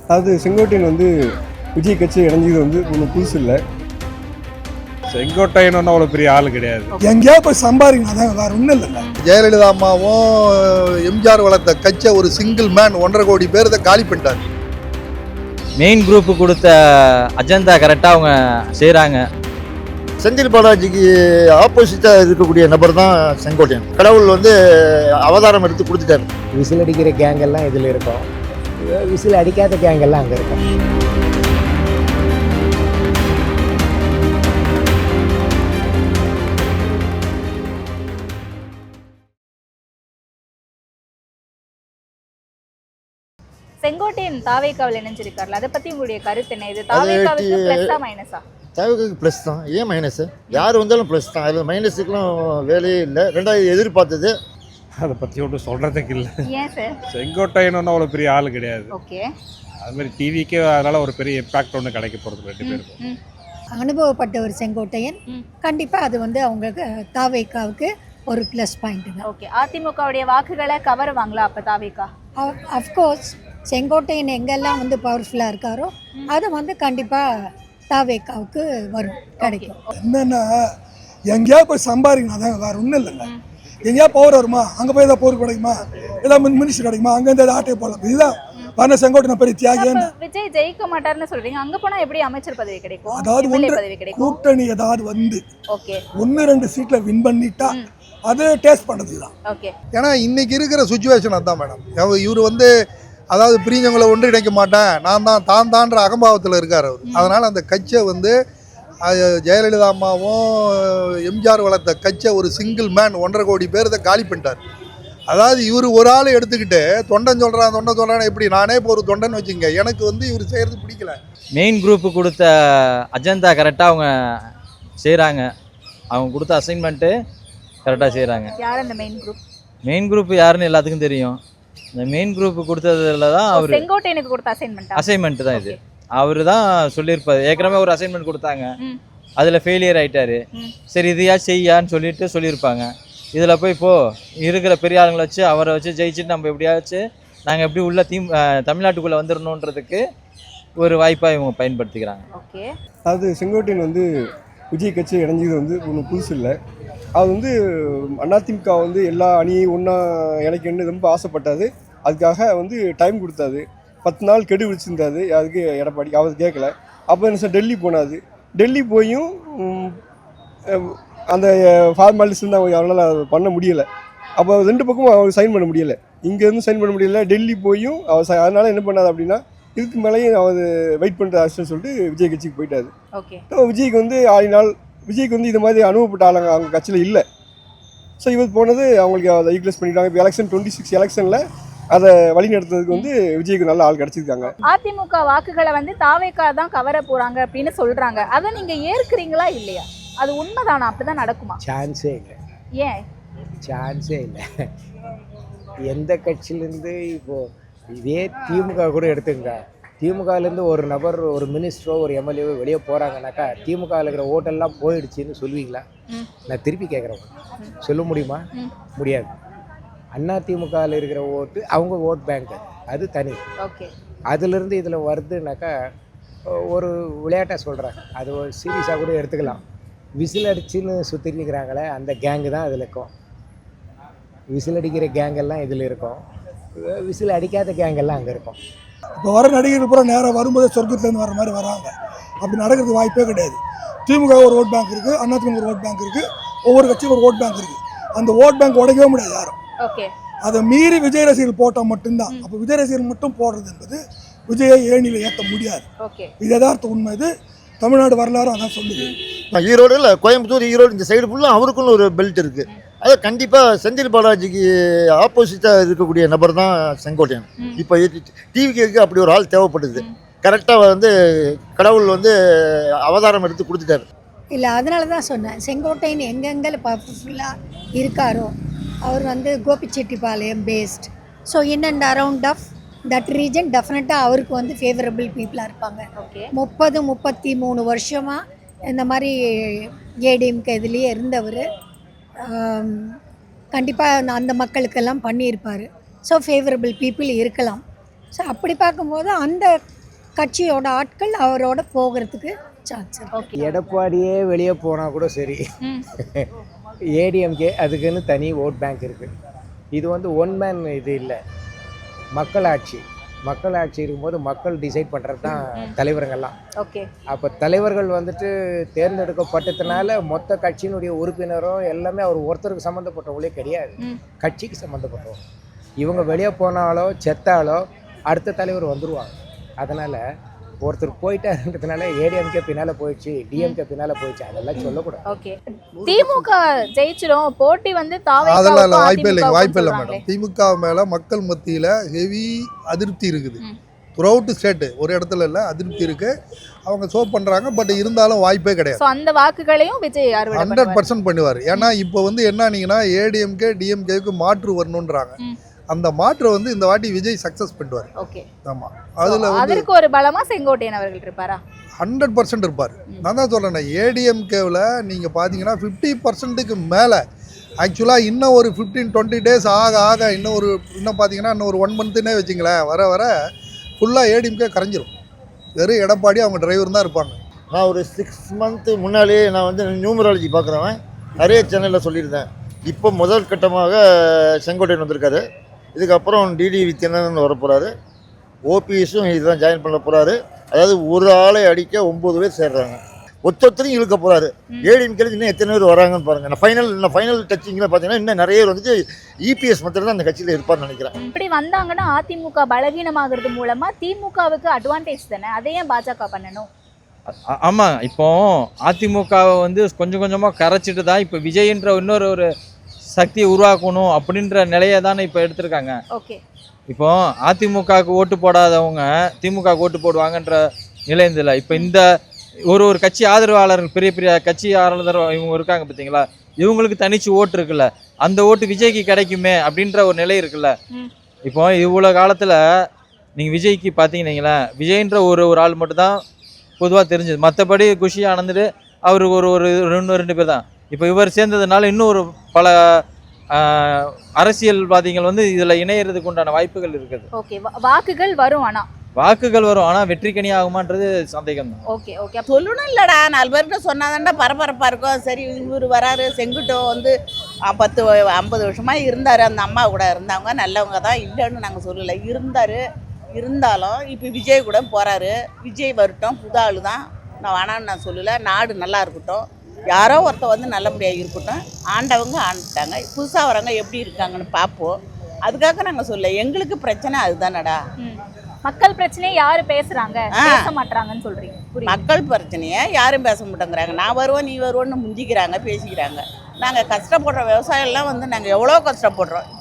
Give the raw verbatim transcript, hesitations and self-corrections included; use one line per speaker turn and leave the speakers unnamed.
அதாவது செங்கோட்டையன் வந்து விஜய் கட்சி இணைஞ்சது வந்து ஒன்றும் புதுசு இல்லை.
செங்கோட்டையன் ஒன்றும் அவ்வளோ பெரிய ஆள் கிடையாது.
எங்கேயா போய் சம்பாதிக்கணும், அதான் வேற ஒன்றும் இல்லைங்க.
ஜெயலலிதா அம்மாவும் எம்ஜிஆர் வளர்த்த கட்சியை ஒரு சிங்கிள் மேன் ஒன்றரை கோடி பேர் இதை காலி பண்ணிட்டார்.
மெயின் குரூப்பு கொடுத்த அஜெண்டா கரெக்டாக அவங்க செய்கிறாங்க.
செந்தில் பாலாஜிக்கு ஆப்போசிட்டாக இருக்கக்கூடிய நபர் தான் செங்கோட்டையன். கடவுள் வந்து அவதாரம் எடுத்து கொடுத்துட்டாரு.
விசில் அடிக்கிற கேங் எல்லாம் இதில் இருக்கும், விசில் அடிக்காத கேங் எல்லாம் அங்கே இருக்கும்.
செங்கோட்டையன் தாவேக்காவில் இணைஞ்சிருக்காருல, அதை பத்தி உங்களுடைய கருத்து என்ன? இது தாவேக்காவுக்கு பிளஸ்ஸா மைனஸா?
தாவேக்காவுக்கு ப்ளஸ் தான். ஏன் மைனஸ்? யார் வந்தாலும் ப்ளஸ் தான். அதில் மைனஸுக்கெலாம் வேலையே இல்லை. ரெண்டாவது எதிர்பார்த்தது
அதை பற்றி ஒன்றும் சொல்கிறதுக்கு இல்லை.
ஏன் சார்?
செங்கோட்டையன் ஒன்றும் அவ்வளோ பெரிய ஆள் கிடையாது.
ஓகே.
அது மாதிரி டிவிக்கே அதனால் ஒரு பெரிய இம்பாக்ட் ஒன்று கிடைக்க போகிறது ரெண்டு பேருக்கும்.
அனுபவப்பட்ட ஒரு செங்கோட்டையன் கண்டிப்பாக அது வந்து அவங்களுக்கு தாவேக்காவுக்கு ஒரு ப்ளஸ் பாயிண்ட்டுங்க.
ஓகே. அதிமுகவுடைய வாக்குகளை கவருவாங்களா அப்போ தாவேக்கா?
அஃப்கோர்ஸ் செங்கோட்டையன் எங்கெல்லாம் வந்து பவர்ஃபுல்லாக இருக்காரோ அது வந்து கண்டிப்பாக தாவேக்காவுக்கு வரும், கிடைக்கும்.
என்னென்னா எங்கேயா போய் சம்பாதிக்கணும், அதான் வேற ஒன்றும் இல்லைங்க. எங்கேயா பவர் வருமா, அங்கே போய் ஏதாவது பவர் கிடைக்குமா, ஏதாவது மினிஸ்டர் கிடைக்குமா, அங்கேருந்து ஏதாவது ஆட்டையை போடலாம். இதுதான் வர செங்கோட்டையன் பெரிய தியாகின்னு.
விஜய் ஜெயிக்க மாட்டாருன்னு சொல்றீங்க, அங்கே போனால் எப்படி அமைச்சர் பதவி கிடைக்கும்?
அதாவது ஒன்று கூட்டணி ஏதாவது வந்து
ஓகே
ஒன்று ரெண்டு சீட்டில் வின் பண்ணிட்டா அது டேஸ்ட் பண்ணது தான்.
ஓகே.
ஏன்னா இன்னைக்கு இருக்கிற சுச்சுவேஷன் அதுதான் மேடம். இவர் வந்து அதாவது பிரிஞ்சவங்களை ஒன்றிணைக்க மாட்டேன், நான் தான் தான் தான்ற அகம்பாவத்தில் இருக்கார் அவர். அதனால் அந்த கட்சியை வந்து ஜெயலலிதா அம்மாவும் எம்ஜிஆர் வளர்த்த கட்சியை ஒரு சிங்கிள் மேன் ஒன்றரை கோடி பேர் இதை காலி பண்ணிட்டார். அதாவது இவர் ஒரு ஆள் எடுத்துக்கிட்டு தொண்டன் சொல்கிறான் தொண்டன் சொல்கிறான் எப்படி, நானே இப்போ ஒரு தொண்டன் வச்சுங்க, எனக்கு வந்து இவர் செய்கிறது பிடிக்கல.
மெயின் குரூப்பு கொடுத்த அஜெண்டா கரெக்டாக அவங்க செய்கிறாங்க. அவங்க கொடுத்த அசைன்மெண்ட்டு கரெக்டாக செய்கிறாங்க.
யார் அந்த மெயின் குரூப்?
மெயின் குரூப் யாருன்னு எல்லாத்துக்கும் தெரியும். இந்த மெயின் குரூப் கொடுத்ததுல தான் அவர்
செங்கோட்டையனுக்கு கொடுத்த அசைன்மெண்ட்
அசைன்மெண்ட் தான் இது. அவர் தான் சொல்லியிருப்பார். ஏற்கனவே ஒரு அசைன்மெண்ட் கொடுத்தாங்க, அதில் ஃபெயிலியர் ஆகிட்டாரு. சரி இதையா செய்யான்னு சொல்லிட்டு சொல்லியிருப்பாங்க. இதில் போய் இப்போது இருக்கிற பெரிய ஆளுங்களை வச்சு அவரை வச்சு ஜெயிச்சுட்டு நம்ம எப்படியாச்சும் நாங்கள் எப்படி உள்ள தீம் தமிழ்நாட்டுக்குள்ளே வந்துடணுன்றதுக்கு ஒரு வாய்ப்பாக இவங்க பயன்படுத்திக்கிறாங்க.
ஓகே.
அதாவது செங்கோட்டையன் வந்து விஜய் கட்சி இணைஞ்சது வந்து ஒன்றும் புதுசு இல்லை. அது வந்து அதிமுக வந்து எல்லா அணியும் ஒன்றா இணைக்கணும்னு ரொம்ப ஆசைப்பட்டாது. அதுக்காக வந்து டைம் கொடுத்தாது, பத்து நாள் கெடு விழிச்சிருந்தாது. அதுக்கு எடப்பாடி அவர் கேட்கல. அப்போ என்ன சார் டெல்லி போனாது. டெல்லி போயும் அந்த ஃபார்மாலிட்டிஸ் வந்து அவங்க அவரால் பண்ண முடியலை. அப்போ ரெண்டு பக்கமும் அவர் சைன் பண்ண முடியலை. இங்கேருந்து சைன் பண்ண முடியலை, டெல்லி போயும் அவர். அதனால் என்ன பண்ணாது அப்படின்னா இதுக்கு மேலேயும் அவர் வெயிட் பண்ணுற ஆச்சுன்னு சொல்லிட்டு விஜய் கட்சிக்கு போயிட்டாரு.
ஓகே.
விஜய்க்கு வந்து ஆடினால் விஜய்க்கு வந்து இது மாதிரி அனுபவப்பட்ட ஆளுங்க அவங்க கட்சியில் இல்லை. ஸோ இவர் போனது அவங்களுக்கு அதை ஈக்வலைஸ் பண்ணிட்டாங்க. இப்போ எலெக்ஷன் டுவெண்ட்டி சிக்ஸ் எலெக்ஷனில் அதை வழி நடத்துறதுக்கு வந்து விஜய்க்கு நல்ல ஆள் கிடச்சிருக்காங்க.
அதிமுக வாக்குகளை வந்து தாவேக்கா தான் கவர போகிறாங்க அப்படின்னு சொல்கிறாங்க. அதை நீங்கள் ஏற்கிறீங்களா இல்லையா? அது உண்மைதானா? அப்படி தான் நடக்குமா?
சான்ஸே இல்லை.
ஏன்
சான்ஸே இல்லை. எந்த கட்சியிலேருந்து இப்போது இதே திமுக கூட எடுத்துங்க, திமுகலேருந்து ஒரு நபர் ஒரு மினிஸ்டரோ ஒரு எம்எல்ஏவோ வெளியே போகிறாங்கனாக்கா திமுகவில் இருக்கிற ஓட்டெல்லாம் போயிடுச்சின்னு சொல்லுவீங்களா? நான் திருப்பி கேட்குறேன், சொல்ல முடியுமா? முடியாது. அண்ணா திமுகவில் இருக்கிற ஓட்டு அவங்க ஓட் பேங்க், அது தனி.
ஓகே.
அதுலேருந்து இதில் வருதுனாக்கா ஒரு விளையாட்டாக சொல்கிறாங்க, அது ஒரு சீரியஸாக கூட எடுத்துக்கலாம். விசில் அடிச்சுன்னு சுற்றிருக்கிறாங்களே அந்த கேங்கு தான் இதில் இருக்கும். விசில் அடிக்கிற கேங்கெல்லாம் இதில் இருக்கும், விசில் அடிக்காத கேங்கெல்லாம் அங்கே இருக்கும்.
இப்போ வர நடிகர்கள் பூரா நேராக வரும்போதே சொர்க்கத்துலேருந்து வர மாதிரி வராங்க. அப்படி நடக்கிறதுக்கு வாய்ப்பே கிடையாது. திமுக ஒரு ஓட் பேங்க் இருக்குது, அதிமுக ஒரு ஓட் பேங்க் இருக்குது, ஒவ்வொரு கட்சியும் ஒரு ஓட் பேங்க் இருக்குது. அந்த ஓட் பேங்க் உடைக்கவே முடியாது யாரும்.
ஓகே.
அதை மீறி விஜய் ரசிகர்கள் போட்டால் மட்டும்தான். அப்போ விஜய் ரசிகர்கள் மட்டும் போடுறது என்பது விஜயை ஏணியில் ஏற்ற முடியாது. இது யதார்த்த உண்மை. இது தமிழ்நாடு வரலாறு அதான் சொல்லுது.
ஈரோடு இல்லை கோயம்புத்தூர், ஈரோடு இந்த சைடு ஃபுல்லாக அவருக்குன்னு ஒரு பெல்ட் இருக்குது. அது கண்டிப்பாக செந்தில் பாலாஜிக்கு ஆப்போசிட்டாக இருக்கக்கூடிய நபர் தான் செங்கோட்டையன். இப்போ டிவிக்கு அப்படி ஒரு ஆள் தேவைப்படுது. கரெக்டாக வந்து கடவுள் வந்து அவதாரம் எடுத்து கொடுத்துட்டாரு.
இல்லை, அதனால தான் சொன்னேன், செங்கோட்டையன் எங்கெங்கே பவர்ஃபுல்லாக இருக்காரோ அவர் வந்து Gobichettipalayam based. So in and around of that region டெஃபினட்டாக அவருக்கு வந்து ஃபேவரபிள் பீப்புளாக இருப்பாங்க.
ஓகே.
முப்பது முப்பத்தி மூணு வருஷமாக இந்த மாதிரி ஏடிஎம்கே இதுலேயே இருந்தவர் கண்டிப்பாக அந்த மக்களுக்கெல்லாம் பண்ணியிருப்பார். ஸோ ஃபேவரபிள் பீப்புள் இருக்கலாம். ஸோ அப்படி பார்க்கும்போது அந்த கட்சியோட ஆட்கள் அவரோட போகிறதுக்கு சான்ஸ் இருக்கு.
ஓகே.
எடப்பாடியே வெளியே போனால் கூட சரி,
ம்.
ஏடிஎம்கே அதுக்குன்னு தனி ஓட் பேங்க் இருக்குது. இது வந்து ஒன் மேன் இது இல்லை, மக்களாட்சி. மக்களாட்சி இருக்கும்போது மக்கள் டிசைட் பண்ணுறது தான் தலைவருங்கெல்லாம்.
ஓகே.
அப்போ தலைவர்கள் வந்துட்டு தேர்ந்தெடுக்கப்பட்டதுனால மொத்த கட்சியினுடைய உறுப்பினரும் எல்லாமே அவர் ஒருத்தருக்கு சம்மந்தப்பட்டவங்களே கிடையாது,
ம்.
கட்சிக்கு சம்மந்தப்பட்டவங்க. இவங்க வெளியே போனாலோ செத்தாலோ அடுத்த தலைவர் வந்துடுவாங்க. அதனால் ஒருத்தர் போயிட்டாருன்றதுனால ஏடிஎம்கே பின்னால் போயிடுச்சு, டிஎம்கே பின்னால் போயிடுச்சு, அதெல்லாம் சொல்லக்கூடாது.
ஓகே. திமுக ஜெயிச்சிடும், போட்டி வந்து
அதெல்லாம் இல்லை, வாய்ப்பே இல்லை,
தாவேக்காவுக்கும்
வாய்ப்பே இல்லை
சொல்றாங்களே.
மேடம். திமுக மேலே மக்கள் மத்தியில் ஹெவி அதிருப்தி இருக்குது.
ம்.
த்ரூஅவுட் ஸ்டேட்டு, ஒரு இடத்துல இல்லை, அதிருப்தி இருக்குது. அவங்க சோ பண்ணுறாங்க. பட் இருந்தாலும் வாய்ப்பே கிடையாது.
சோ அந்த வாக்குகளையும் விஜய் அறுவடை
ஹண்ட்ரட்
பண்ணுவார்.
பர்சன்ட் பண்ணுவார். ஏன்னா இப்போ வந்து என்னன்னீங்கன்னா ஏடிஎம்கே டிஎம்கேவுக்கு மாற்று வரணுன்றாங்க.
ம்.
அந்த மாற்று வந்து இந்த வாட்டி விஜய் சக்ஸஸ் பண்ணுவார்.
ஓகே.
ஆமாம், அதில் வந்து
அதற்கு ஒரு பலமா செங்கோட்டையன் அவர்கள் இருப்பாரா?
ஹண்ட்ரட் பர்சன்ட் இருப்பார். நான் தான் சொல்கிறேன், ஏடிஎம்கேவில் நீங்கள் பார்த்தீங்கன்னா ஃபிஃப்டி பர்சன்ட்டுக்கு மேலே ஆக்சுவலாக இன்னும் ஒரு ஃபிஃப்டீன் டுவெண்ட்டி டேஸ் ஆக ஆக இன்னும் ஒரு இன்னும் பார்த்தீங்கன்னா இன்னும் ஒரு ஒன் மந்த்துன்னே வச்சிங்களேன், வர வர ஃபுல்லாக ஏடிஎம்கே கரைஞ்சிரும். வெறும் எடப்பாடி அவங்க டிரைவர் தான் இருப்பாங்க.
நான் ஒரு சிக்ஸ் மந்த்து முன்னாலே நான் வந்து நியூமராலஜி பார்க்குறவன் நிறைய சேனலில் சொல்லியிருந்தேன். இப்போ முதல் கட்டமாக செங்கோட்டையன் வந்திருக்காரு. இதுக்கப்புறம் டிடி வித்யனன் வர போகிறாரு. ஓபிஎஸும் இதுதான் ஜாயின் பண்ண போகிறாரு. அதாவது ஒரு ஆளை அடிக்க ஒம்பது பேர் சேர்றாங்க. ஒத்தொத்தரையும் இழுக்க போகிறாரு. ஏடிஎம்கேல இன்னும் எத்தனை பேர் வராங்கன்னு பாருங்கள். நான் ஃபைனல் இன்னும் ஃபைனல் டச்சிங்கில் பார்த்தீங்கன்னா இன்னும் நிறைய பேர் வந்துட்டு இபிஎஸ் மட்டும் தான் அந்த கட்சியில் இருப்பார்னு நினைக்கிறேன்.
இப்படி வந்தாங்கன்னா அதிமுக பலவீனமாகிறது மூலமா திமுகவுக்கு அட்வான்டேஜ் தானே, அதை ஏன் பாஜக பண்ணணும்?
ஆ- ஆமாம், இப்போ அதிமுகவை வந்து கொஞ்சம் கொஞ்சமாக கரைச்சிட்டு தான் இப்போ விஜய்ன்ற இன்னொரு ஒரு சக்தியை உருவாக்கணும் அப்படின்ற நிலையை தானே இப்போ எடுத்திருக்காங்க.
ஓகே.
இப்போ அதிமுகவுக்கு ஓட்டு போடாதவங்க திமுக ஓட்டு போடுவாங்கன்ற நிலை இருந்தில்ல. இப்போ இந்த ஒரு ஒரு கட்சி ஆதரவாளர்கள், பெரிய பெரிய கட்சி ஆதரவாளர் இவங்க இருக்காங்க பார்த்தீங்களா, இவங்களுக்கு தனிச்சு ஓட்டு இருக்குல்ல, அந்த ஓட்டு விஜய்க்கு கிடைக்குமே அப்படின்ற ஒரு நிலை இருக்குல்ல.
ம்.
இப்போ இவ்வளோ காலத்தில் நீங்கள் விஜய்க்கு பார்த்தீங்கன்னா விஜய்ன்ற ஒரு ஒரு ஆள் மட்டும்தான் பொதுவாக தெரிஞ்சது. மற்றபடி குஷி ஆனந்து அவர் ஒரு ஒரு ரெண்டு ரெண்டு பேர் தான். இப்போ இவர் சேர்ந்ததுனால இன்னும் ஒரு பல ஆஹ், அரசியல்வாதிகள் வந்து இதில் இணையறதுக்கு உண்டான வாய்ப்புகள் இருக்குது.
ஓகே. வாக்குகள் வரும் ஆனா.
வாக்குகள் வரும், ஆனால் வெற்றிக்கணி ஆகுமான்றது சந்தேகம் தான்.
ஓகே. ஓகே.
சொல்லணும் இல்லடா, நாலு பேர்கிட்ட சொன்னாதான்டா பரபரப்பாக இருக்கும். சரி இவர் வராரு, செங்குட்டோ வந்து அஹ், பத்து வ- ஐம்பது வருஷமாக இருந்தார், அந்த அம்மா கூட இருந்தவங்க நல்லவங்க தான், இல்லைன்னு நாங்கள் சொல்லலை, இருந்தார். இருந்தாலும் இப்போ விஜய் கூட போகிறாரு. விஜய் வரட்டும், புது ஆள் தான், நான் வேணான்னு நான் சொல்லலை. நாடு நல்லா இருக்கட்டும், யாரோ ஒருத்தர் வந்து நல்லபடியாக இருக்கட்டும். ஆண்டவங்க ஆண்டுட்டாங்க, புதுசாக வரவங்க எப்படி இருக்காங்கன்னு பார்ப்போம். அதுக்காக நாங்கள் சொல்ல, எங்களுக்கு பிரச்சனை அதுதானடா.
ம். மக்கள் பிரச்சனையை யாரு பேசுறாங்க,
ஆ.
பேச மாட்டாங்கன்னு சொல்றீங்க? புரியுது.
மக்கள் பிரச்சனையை யாரும் பேச மாட்டேங்கிறாங்க. நான் வருவோம் நீ வருவோன்னு முந்திக்கிறாங்க, பேசிக்கிறாங்க. நாங்கள் கஷ்டப்படுற விவசாயம்லாம் வந்து நாங்கள் எவ்வளோ கஷ்டப்படுறோம்.